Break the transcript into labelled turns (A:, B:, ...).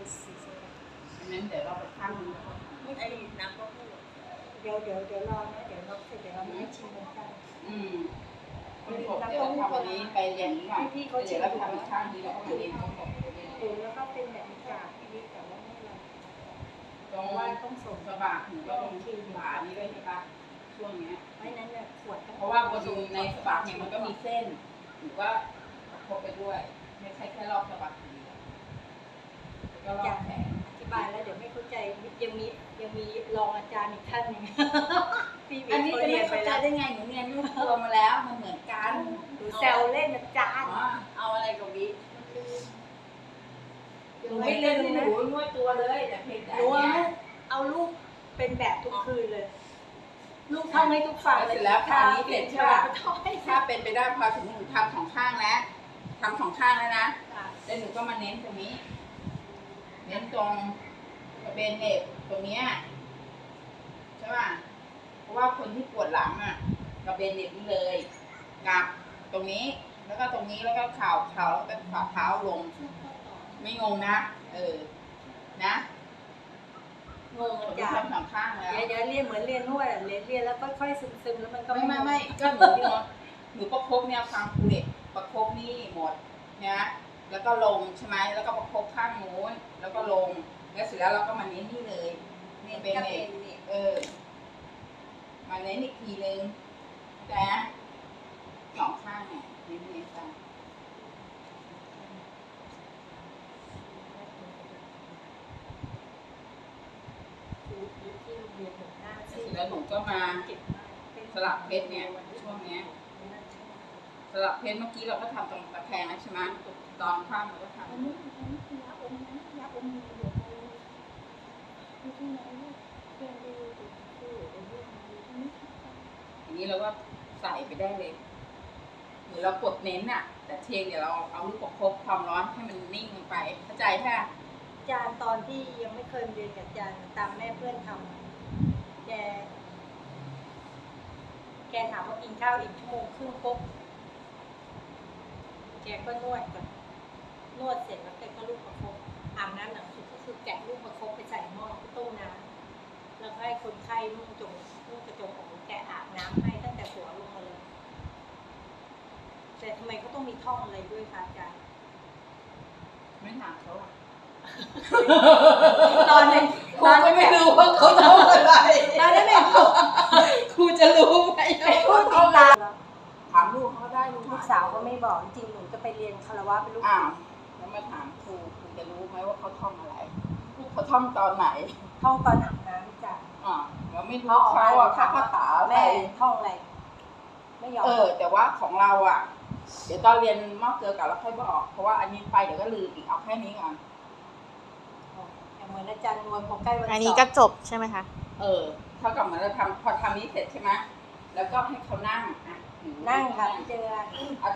A: งั้นเดี๋ยวเราไปข้างนึงไอ้น้ำก็พูด
B: เดี๋ยวรอนะเดี๋ยวเราเสร็จเดี๋ยวเราไม่ชิมกัน
A: เดี๋ยวทำอันนี้ไปอย่างนี้ก่อนเดี๋ยวเราไปทำอีกข้างนี้แล้วก็มาเรียนทั้งหมด
B: แล้วก็เป็นแบบจากที่แต่ว่าไม่เรา
A: ตรงว่าต้องส่งกระบะถึงก็ตรงที่ฝานี้ด้วยใช่ปะช่วงเนี้ย
B: ไม่นั้นเนี่ยขวด
A: เพราะว่าบนในกระบะเนี่ยมันก็มีเส้นหรือว่าประคบไปด้วยไม่ใช่แค่รอบกระบะทีเดียวก็รอบแขน
B: อธิบายแล้วเดี๋ยวไม่เข้าใจยังมีรองอาจารย์อีกท่านหนึ่ง
A: อันนี้จะไม่เข้าใจได้ไงหนูเรียนนวดตัวมาแล้วมันเหมือนกัน
B: หนูแซวเล่นอาจารย์
A: เอาอะไรกับวิหนูไม่เล่นหนูนวดตัวเลยแต่เพียงแต่
B: หนูเอาลูกเป็นแบบทุกคืนเลยลูกท่องให้ทุกฝั่ง
A: เสร็จแล้วพอนี้เสร็จใช่ป่ะถ้าเป็นไปได้พอถึงหนูทำสองข้างแล้วทำสองข้างแล้วนะแล้วหนูก็มาเน้นตรงนี้เน้นตรงกระเบนเน็บตรงนี้ใช่ป่ะเพราะว่าคนที่ปวดหลังอ่ะกระเบนเน็บนี่เลยกับตรงนี้แล้วก็ตรงนี้แล้วก็เข่าแล้วก็ฝ่าเท้าลงไม่งงนะนะ
B: งงอาจารย์
A: สองข้างแล้ว
B: เดี๋ยวเรียนเหมือนเรียนนวดเรียนแล้วค่อยๆซึมแล้วมันก็
A: ไม่ก็หนูประคบเนี่ยฟังครูเด็กประคบนี่หมดนะแล้วก็ลงใช่ไหมแล้วก็ประคบข้างโน้นแล้วก็ลงแล้วเสร็จแล้วเราก็มาเน้นนี่เลยนี่เป็นมาเน้นอีกทีนึงแต่สองข้างเนี่ยเน้นจ้ะแล้วหนูก็มาสลับเพชรเนี่ยช่วงนี้สลับเพชรเมื่อกี้เราก็ทำตรงตะแคงนะใช่ไหมตอนข้ามเราก็ทำอย่างนี้เราก็ใส่ไปได้เลยหรือเรากดเน้นอ่ะแต่เทียงเดี๋ยวเราเอาลูกประคบความร้อนให้มันนิ่งลงไปเข้าใจแค่
B: อาจารย์ตอนที่ยังไม่เคยเรียนกับอาจารย์ตามแม่เพื่อนทำแกถามว่ากินข้าวอีก1 ชั่วโมงครึ่งปุ๊บแกก็นวดก่อนนวดเสร็จแล้วแกก็ลูกประคบอาบน้ำหนังสุดก็คือแกะลูกประคบไปใส่หม้อต้มน้ำแล้วให้คนไข้นุ่งกระจงอกแกะอาบน้ำให้ตั้งแต่หัวลงมาเลยแต่ทำไมเขาต้องมีท่องอะไรด้วยคะอาจารย์
A: ไม่ถามเขาอ่ะ
B: ตอนนั้น
A: ครูก็ไม่รู้ว่าเขาทำอะไร
B: ตอนนั้นแม่
A: ครูจะรู้ไหม
B: พูดติดตาม
A: ถามลูกเขาได้
B: ลูกสาวก็ไม่บอกจริงหนูจะไปเรียนคารวะเป็นลูก
A: แล้วมาถามครูจะรู้ไหมว่าเขาท่องอะไรเขาท่องตอนไหน
B: ท่องตอนอาบน้ำจ้ะ
A: เราไม่รู้เขาอ่ะคาถา
B: แม่ท่องอะไรไม่ยอม
A: แต่ว่าของเราอ่ะเดี๋ยวตอนเรียนมอกเกลือกับเราค่อยบอกเพราะว่าอันนี้ไปเดี๋ยวก็ลืมอีกเอาแค่นี้ก่อน
B: เหมือนอาจารย์นวลพอใกล้วันสอบ
C: อันนี้ก็จบใช่ไหมคะ
A: เท่ากับเหมือนเราทำพอทำนี้เสร็จใช่ไหมแล้วก็ให้เขานั่ง
B: นั่งค่ะเจอ